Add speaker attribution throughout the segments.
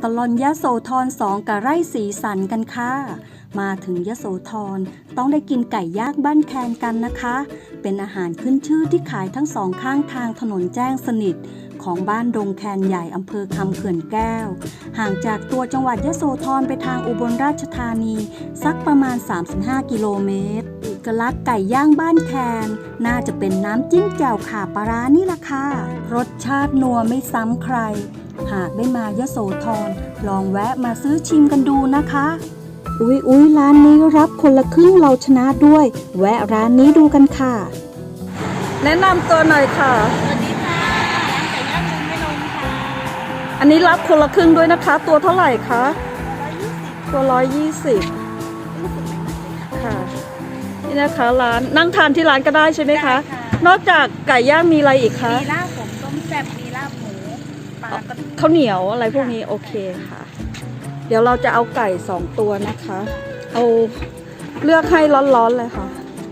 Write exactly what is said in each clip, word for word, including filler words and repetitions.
Speaker 1: ตลอนยโสธรสองกับไร่สีสันกันค่ะมาถึงยโสธรต้องได้กินไก่ย่างบ้านแคนกันนะคะเป็นอาหารขึ้นชื่อที่ขายทั้งสองข้างทางถนนแจ้งสนิทของบ้านดงแคนใหญ่อำเภอคำเขื่อนแก้วห่างจากตัวจังหวัดยโสธรไปทางอุบลราชธานีสักประมาณสามสิบห้ากิโลเมตรเอกลักษณ์ไก่ย่างบ้านแคนน่าจะเป็นน้ำจิ้มแจ่วข่าปลาร้านี่ล่ะค่ะรสชาตินัวไม่ซ้ำใครหากได้มายโสธรลองแวะมาซื้อชิมกันดูนะคะอุ๊ยอุ๊ยร้านนี้รับคนละครึ่งเราชนะด้วยแวะร้านนี้ดูกันค่ะแนะนำตัวหน่อยค่ะ
Speaker 2: สวัสดีค่ะร้านไก่ย่างลุงไม่ลงค่ะ
Speaker 1: อันนี้รับคนละครึ่งด้วยนะคะตัวเท่าไหร่คะตัวร้อยยี่สิบค่ะนี่นะคะร้านนั่งทานที่ร้านก็ได้ใช่ไหมคะนอกจากไก่ย่างมีอะไรอีกคะ
Speaker 2: มีลาบผมต้มแซ่บมีลาบหมูปลากระ
Speaker 1: ข้าวเหนียวอะไรพวกนี้โอเคค่ะเดี๋ยวเราจะเอาไก่สองตัวนะคะเอาเลือกให้ร้อนๆเลยค่ะ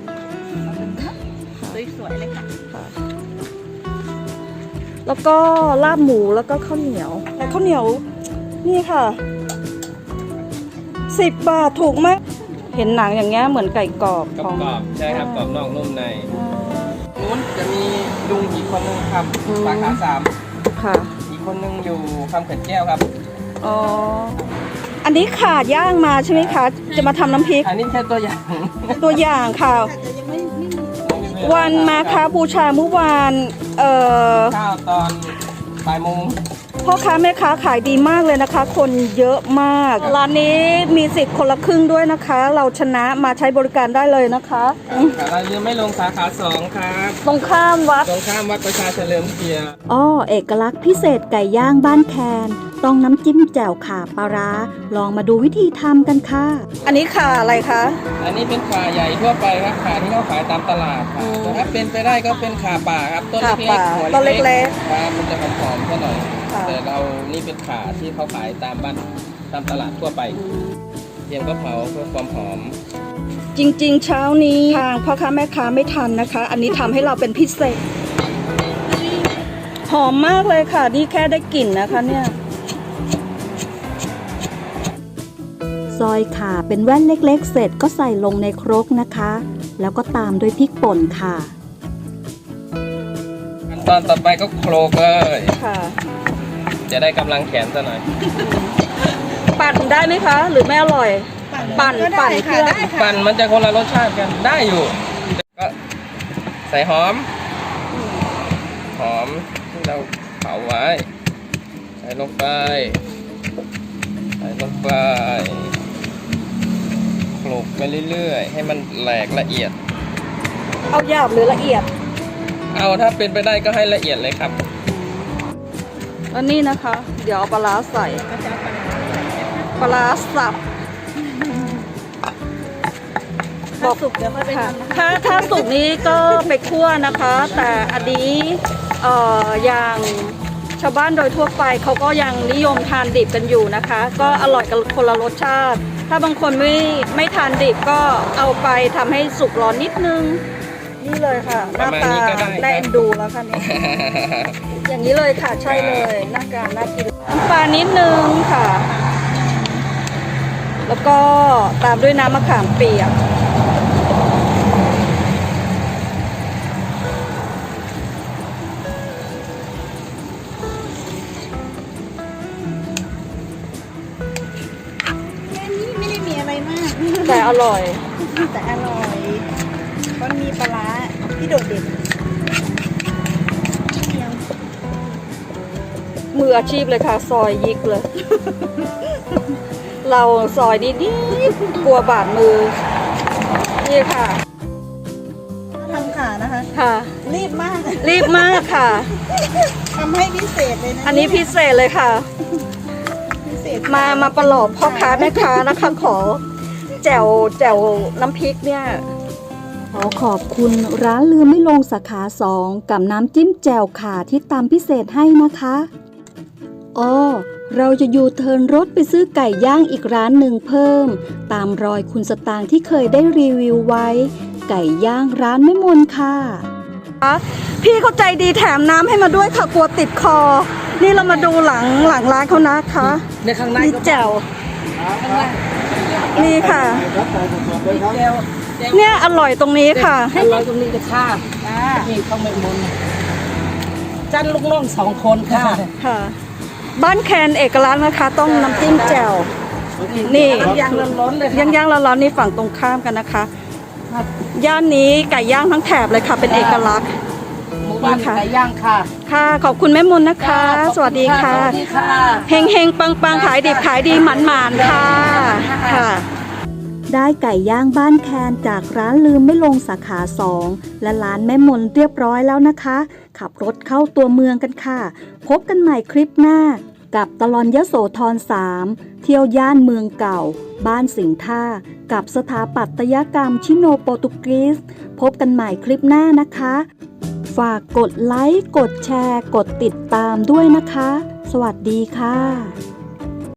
Speaker 2: สวยๆเลยค่ะ
Speaker 1: แล้วก็ลาบหมูแล้วก็ข้าวเหนียวแต่ข้าวเหนียวนี่ค่ะสิบบาทถูกมากเห็นหนังอย่างเงี้ยเหมือนไก่กรอบของ
Speaker 3: กรอบใช่ครับกรอบนอกนุ่มในนู้นจะมีลุงอีกคนนึงครับสาขาสาม
Speaker 1: ค่ะ
Speaker 3: อีกคนนึงอยู่คำเขื่อนแก้วครับ
Speaker 1: อ๋ออันนี้ขาดย่างมาใช่ไหมคะจะมาทำน้ำพริก
Speaker 3: อันนี้แค่ตัวอย่าง
Speaker 1: ตัวอย่างค่ะวันมาค้าบูชาเมื่อวานเอ่อ
Speaker 3: ข้าวตอนบ่ายโมง
Speaker 1: พ่อค้าแม่ค้าขายดีมากเลยนะคะคนเยอะมากร้านนี้มีสิทธิ์คนละครึ่งด้วยนะคะเราชนะมาใช้บริการได้เลยนะคะ
Speaker 3: เรายังไม่ลงสาขาสองครับ
Speaker 1: ตรงข้ามวัด
Speaker 3: ตรงข้ามวัดประชาเฉลิมเกียรติ
Speaker 1: อ้อเอกลักษณ์พิเศษไก่ย่างบ้านแคนต้องน้ำจิ้มแจ่วข่าปลาร้าลองมาดูวิธีทำกันค่ะอันนี้ข่าอะไรคะ
Speaker 3: อันนี้เป็นข่าใหญ่ทั่วไปครับข่าที่เขาขายตามตลาดค่ะแต่ถ้าเป็นไปได้ก็เป็นข่าป่าครับต้นเล็กๆหัวเล็กๆครับมันจะหอมๆก็หน่อยแต่เรานี่เป็นข่าที่เขาขายตามบ้านตามตลาดทั่วไปเทียมก็เผาเพื่อความหอม
Speaker 1: จริงๆเช้านี้ทางพ่อค้าแม่ค้าไม่ทันนะคะอันนี้ทำให้เราเป็นพิเศษหอมมากเลยค่ะนี่แค่ได้กลิ่นนะคะเนี่ยซอยข่าเป็นแว่นเล็กๆเสร็จก็ใส่ลงในครกนะคะแล้วก็ตามด้วยพริกป่นค่ะ
Speaker 3: ขั้นตอนต่อไปก็โคลกเลย
Speaker 1: ค่ะ
Speaker 3: จะได้กำลังแขนซะหน่อย
Speaker 1: ปั่นได้ไหมคะหรือไม่อร่อยปั่นปั่นเครื่อง
Speaker 3: ปั่นมันจะคนละรสชาติกันได้อยู่ก็ใส่หอมหอมที่เราเผาไว้ใส่ลงไปใส่ลงไปโขลกไปเรื่อยๆให้มันแหลกละเอียด
Speaker 1: เอาหยาบหรือละเอียด
Speaker 3: เอาถ้าเป็นไปได้ก็ให้ละเอียดเลยครับ
Speaker 1: แล้วนี่นะคะเดี๋ยวเอาปลาร้าใส่ปลาร้าสับ
Speaker 2: บอกสุกเดี๋ยวค่อยไปทำ
Speaker 1: ถ้าถ้าสุกนี้ก็ไปคั่วนะคะแต่อันนี้เอ่ออย่างชาวบ้านโดยทั่วไปเขาก็ยังนิยมทานดิบกันอยู่นะคะก็อร่อยกันคนละรสชาติถ้าบางคนไม่ไม่ทานดิบก็เอาไปทำให้สุกร้อนนิดนึงนี่เลยค่ะหน้าตาแน่นดูแล้วค่ะนี่อย่างนี้เลยค่ะใช่เลยหน้าการน่ากินน้ำปลานิดนึงค่ะแล้วก็ตามด้วยน้ำมะขามเปียก
Speaker 2: ไม่ได้มีอะไรมาก
Speaker 1: แต่อร่อย
Speaker 2: แต่อร่อยมันมีปลาร้าที่โดดเด่น
Speaker 1: มืออาชีพเลยค่ะซอยยิกเลย เราซอยนิดนิดกลัวบาดมือนี่ค่ะ
Speaker 2: ทำขานะคะ
Speaker 1: ค่ะ
Speaker 2: รีบมาก
Speaker 1: รีบมากค่ะ
Speaker 2: ทำให้พิเศษเลยนะ
Speaker 1: อันนี้พิเศษเลยค่ะพิเศษมามาประหลอบพ่อค้าแม่ค้านะคะขอแจ่วแจ่วน้ำพริกเนี่ยขอขอบคุณร้านลืมไม่ลงสาขาสองกับน้ำจิ้มแจ่วข่าที่ตามพิเศษให้นะคะอ๋อเราจะยูเทิร์นรถไปซื้อไก่ย่างอีกร้านหนึ่งเพิ่มตามรอยคุณสตางค์ที่เคยได้รีวิวไว้ไก่ย่างร้านแม่มนค่ะพี่เขาใจดีแถมน้ำให้มาด้วยค่ะกลัวติดคอนี่เรามาดูหลังหลังร้านเขานะคะ
Speaker 2: ในข้างใน
Speaker 1: มีแจ่ว
Speaker 2: ข้างใน
Speaker 1: นี่ค่ะ
Speaker 2: เจล
Speaker 1: เนี่ยอร่อยตรงนี้ค่ะ
Speaker 2: ให้เราตรงนี้จะฆ่านี่เขาไม่มุนจันลูกน้องสองคนค่ะ
Speaker 1: ค่ะ บ้านแคนเอกลักษณ์นะคะ ต้องน้ำจิ้มแจ่วนี่
Speaker 2: ยางร้อนๆเลยค่ะ
Speaker 1: ย่างย่างๆร้อนๆนี่ฝั่งตรงข้ามกันนะคะ ย่านนี้ไก่ย่างทั้งแถบเลยค่ะ เป็นเอกลักษณ์
Speaker 2: หมู่บ้านไก่ย่างค่ะ
Speaker 1: ค่ะ ขอบคุณแม่มนนะคะ สวัสดีค่ะ
Speaker 2: สวัสดีค่ะ
Speaker 1: เฮงเฮงปังปังขายดิบขายดีหมันหมานค่ะค่ะ ได้ไก่ย่างบ้านแคนจากร้านลืมไม่ลงสาขาสองและร้านแม่มนเรียบร้อยแล้วนะคะ ขับรถเข้าตัวเมืองกันค่ะ พบกันใหม่คลิปหน้า กับตลอนยโสธรสามเที่ยวย่านเมืองเก่า บ้านสิงห์ท่า กับสถาปัตยกรรมชิโนโปรตุกีสพบกันใหม่คลิปหน้านะคะ ฝากกดไลค์ กดแชร์ กดติดตามด้วยนะคะ สวัสดีค่ะ